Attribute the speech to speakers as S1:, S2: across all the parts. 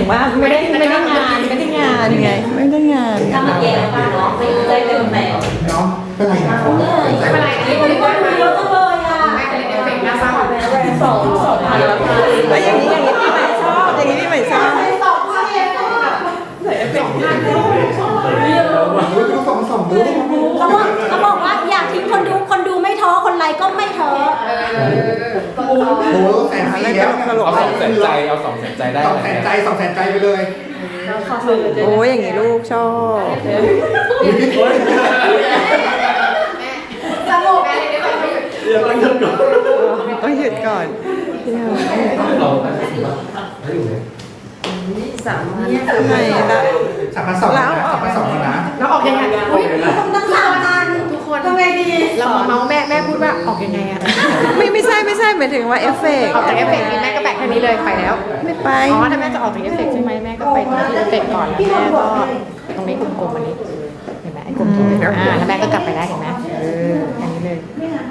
S1: งว่าไม่ได้งานไงไม่ได้งาน
S2: ถ้ามาแย่ป้าเนาะไม่ได้เต็มแมว
S3: เนาะเป็นไรนะ
S2: ไม่เป็นไรอันนี้คนที่คนเยอะจังเลยอ่ะแม่ก็เลยเอฟเฟกต์หน้าซ้ำ2,000แล้วค่ะ
S1: แล้วอย่างนี้พี่ใหม่ชอบอย่างนี้พี่ใหม่ชอบ
S2: 2,000เองอ่ะใส่เอฟเฟกต์2,000
S3: ดูสองดู
S2: เขาบอกว่าอยากทิ้งคนดูไม่ท้อคนไลค์ก็ไม่ท้อ
S3: โอ้โหแสนสี่แล้ว
S4: เอา200,000 ใจเอา200,000 ใจได้
S3: 200,000 ใจไปเลย
S1: โอ้ยอย่างนี้ลูกชอบ
S2: สงบแม่เลยได้ไหม
S1: ต้องหยุดก่อน ไหนละ
S3: 3,200นะ3,200นะ
S5: แล้วออกยังไง
S2: ต้อง3,000
S5: ทุกคน
S2: ทำไงดี
S5: เรามาเมาส์แม่พูดว่าออกยังไงอะ
S1: ไม่ใช่หมายถึงว่าเอฟเฟกต์
S5: ออกจากเอฟเฟกต์นี้แม่ก็แบกแค่นี้เลยไปแล้ว
S1: ไม่ไป
S5: อ๋อถ้าแม่จะออกจากเอฟเฟกต์ใช่ไหมแม่ก็ไปตรงที่เอฟเฟกต์ก่อนแล้วแม่ก็ตรงนี้กลมๆอันนี้เห็นไหมไอ้กลมๆแล้วแม่ก็กลับไปได้เห็นไหมอันนี้เลย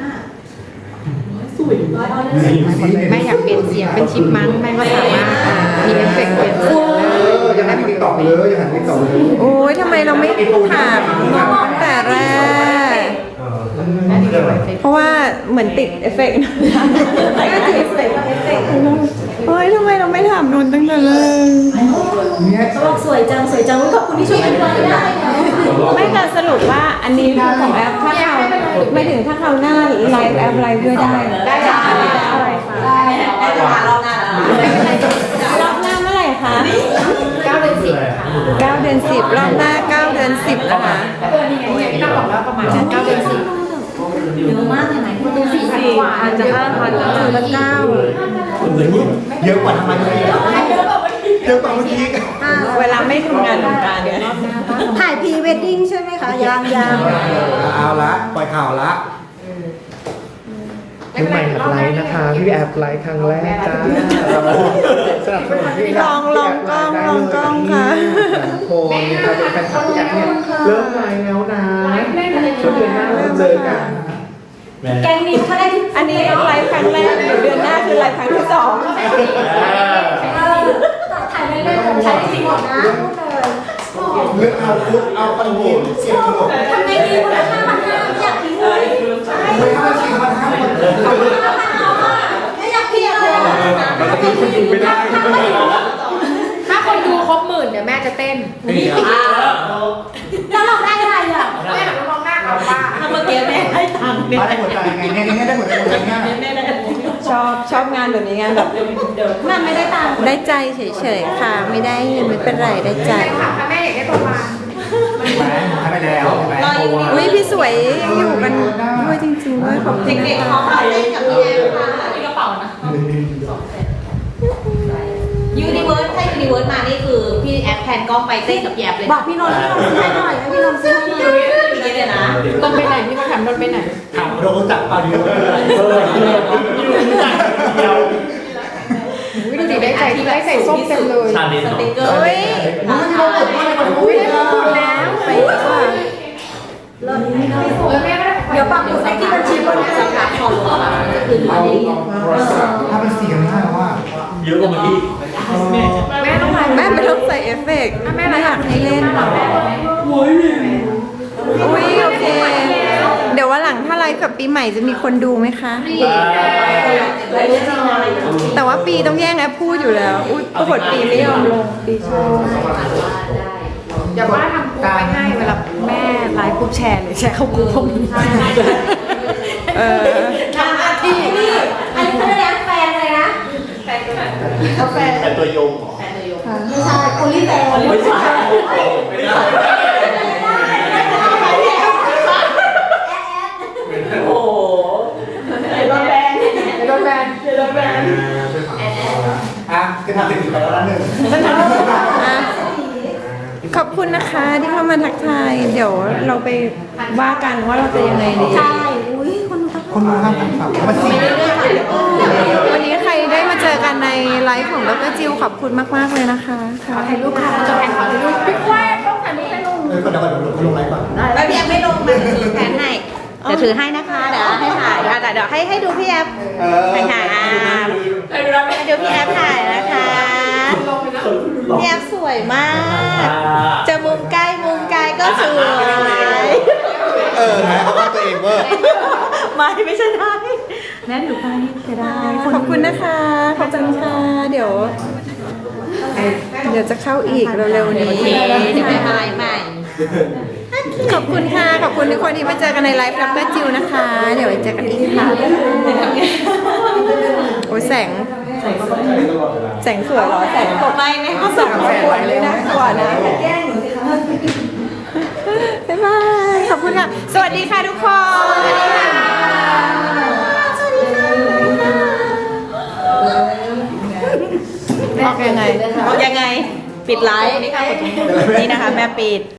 S5: แม่อยากเปลี่ยนเสียงเป็นชิปมังแม่ก็สามารถมีเอฟเฟกต์เปลี่ยนเสียงได้
S3: ยังหันติ๊กต็อกเลยยังหันติ๊กต็อกเลย
S1: โอ้ยทำไมเราไม่ถามน้องตั้งแต่แรก เพราะว่าเหมือนติดเอฟเฟกต์นะก็ติดเอฟเฟกต์เฮ้ยทำไมเราไม่ถามนนท์ตั้งแต่แรก
S3: เนี่ย
S2: เขาบอกสวยจังขอบคุณที่ช่วยกันไว้ได้
S1: ไม่แต่สรุปว่าอันนี้คือของแอปถ้าเราไม่ถึงถ้าเราหน้าไลฟ์แอปไลฟ์ด้วยได้
S2: ได้จ้ะได้จะมารอบหน้าร
S1: อบหน้าเมื่อไหร่คะ
S5: 9 เดือน 10ค่ะ
S1: 9 เดือน 10 รอบหน้า 9 เดือน 10 นะคะ
S5: นี่ไงพี่ต้องบอกแล้วประมาณ9 เดือน 10
S2: เยอะมากเลยไหมคุณดู4,000 กว่า
S5: อาจจะ 5,000 แล้วถึงละ9
S3: เยอะกว่าทำไมเลยเยอะกว่าเมื่อกี้
S1: เวลาไม่ทำงานวงการเนี่ย
S2: ถ่ายพรีเวดดิ้งใช่ไหมคะยัง
S3: เอาละปล่อยข่าวละ
S6: พี่ใหม่หัดไลฟ์นะคะ พี่แอบไลฟ์ครั้งแรกจ้าสนับสนุนพี่
S1: ลองกล้องค่ะ
S6: คนใครเป็นแฟนคลับพี่แอบเนี่ยเริ่มไลฟ์แล้วนะช่วงเดือนหน้าเริ่มเจอกัน
S2: แกงนิวเขาได้ทุก
S1: อันนี้ไลฟ์ครั้งแรกเดี๋ยวเดือนหน้าคือไลฟ์ครั้งที่ 2
S2: ถ่ายเล่นๆถ่ายจริงหมดนะพูดเลย
S3: เลือกเอาฟุตเอาปันหินเสียงหมด
S2: ทำไงดีคนละ5,500อยากทิ้งเลย
S3: ไม่ห้าสี่พันห้าหมด
S2: ไม่อยากทิ้งเลย
S4: มันจะเป็นคนดูไม่ได้
S5: ถ้าคนดูครบ10,000เดี๋ยวแม่จะเต้น
S2: แล้วเราได้อะไรอ่ะ
S5: แม่หันมามองหน้าเอาว่า
S2: ถ้าเมื่อกี้แม่ให้ตังค์เนี่ย
S3: มาได้หัวใจไงเนี่ยได้หัวใจง่าย
S1: ชอบงานแบบนี้งานแบบ
S2: มันไม่ได้ตังค์
S1: ได้ใจเฉยๆค่ะ ไม่ได้เงินไม่เป็นไรได้ใจ
S5: แม่ถามถ้าแม่อยากได้ประมาณ
S3: ใช่ไหมให้ไปแล้วใช่ไหม
S1: อุ้ยพี่สวยยังอยู่กันด้วยจริงๆด้วยขอบคุณ
S2: เด็กๆเขาไปเล่นกับพี่แอมค่ะที่กระเป๋านะยูนิเวิร์สถ้ายูนิเวิร์สมานี่คือพี่แอปแพนกล้องไปเต้นกับแยบเลยบอกพี่นนท์ให้หน่อยให้พี่นนท์ซื้อให้หน่อยอย่างนี้เลยนะ
S5: ต้นไปไหนพี่เขาถามต้นไปไหน
S3: ถามเราจับปลาเดียวเลย
S5: วิธีได้ใส่ส้มเต็มเลย
S2: สติ๊กเกอร์
S1: เฮ้ย
S5: อุ้ยได้มงกุฎแล้ว
S1: ไปค่ะ
S5: แม่ก็ได้
S2: เดี๋ยวปักหมุดให้ที่บัญชีบนสำนักคอมจะคืน
S3: เอา
S2: มาดี
S3: ถ้ามันเสียงง่ายว่า
S4: เยอะกว่าเมื่อกี้
S5: แม่ต้องไลฟ์
S1: แม่ไม่ต้องใส่เอฟเฟกต์ไม่อยากให้เล่นอุ้ยโอเค เดี๋ยวว่าหลังถ้าไลฟ์กับปีใหม่จะมีคนดูไหมคะ แต่ว่าปีต้องแย่งแอปพูดอยู่แล้ว อุ้ยปรากฏปีไม่ยอมลงปีชอบ
S5: เดี๋ยวว่าทำกรุ๊ปไปให้เวลาแม่ไลฟ์กรุ๊ปแชร์เลยแชร์เข้ากรุ๊ปพวกนี้
S1: เออ
S2: ทำหน้าที่นี่อันนี้เขาเรียกแฟนเลยนะแฟนแฟน
S4: แต่ตัวยง
S2: ไม่ใช่โอลิแฟนไม่ใช่โอ้โหไอ้โดนแบน
S5: โดนแบน
S3: อ่ะจะทำสิ่งไปแล้วหนึ่ง
S1: อ่ะขอบคุณนะคะที่เข้ามาทักทาย เดี๋ยวเราไปว่ากันว่าเราจะยังไงดี
S2: ใช่อุ้ยคนทัก
S3: คนรู้ข้ามฝั่งมาสี่
S1: วันนี้ใครได้มาเจอกันในไลฟ์ของดรจิวขอบคุณมากๆเลยนะคะค่ะ
S5: ถ่ายรูปค่ะจะแพนขอถ่ายรูปพี่แควต้องถ่ายรูปให้ลุง
S3: เดี๋ยวเขาลงไลฟ์ก่อน
S2: แล้วพี่แอฟไม่ลงมาถือแผนให้เดี๋ยวถือให้นะคะเดี๋ยวให้ถ่ายเดี๋ยวให้ดูพี่แอฟถ่ายให้ดูพี่แอฟถ่ายนะคะ
S1: พี่แอฟสวยมาก จะมุมใกล้มุมไกลก็สวย
S3: ถ่ายเอาภาพตัวเองเวอร์
S1: ไม่ใช่ได้แม่หนูไปเสียดายขอบคุณนะคะ ขอบคุณค่ะ เดี๋ยวจะเข้าอีกเร็วๆนี้
S2: เดี๋ยวไปอะไรใหม่
S1: ขอบคุณค่ะ ขอบคุณทุกคนที่มาเจอกันในไลฟ์ดรจิวนะคะ เดี๋ยวไว้เจอกันอีกค่ะ โอ้ยแสงสวยเหรอ แสงตกไม่เขาส่งมาสวยเลยนะสวยนะบ๊ายบาย ขอบคุณค่ะ สวัสดีค่ะทุกคน สวัสดีค่ะ สวัสดีค่ะออกยังไง ปิดไลฟ์นี่นะคะแม่ปิด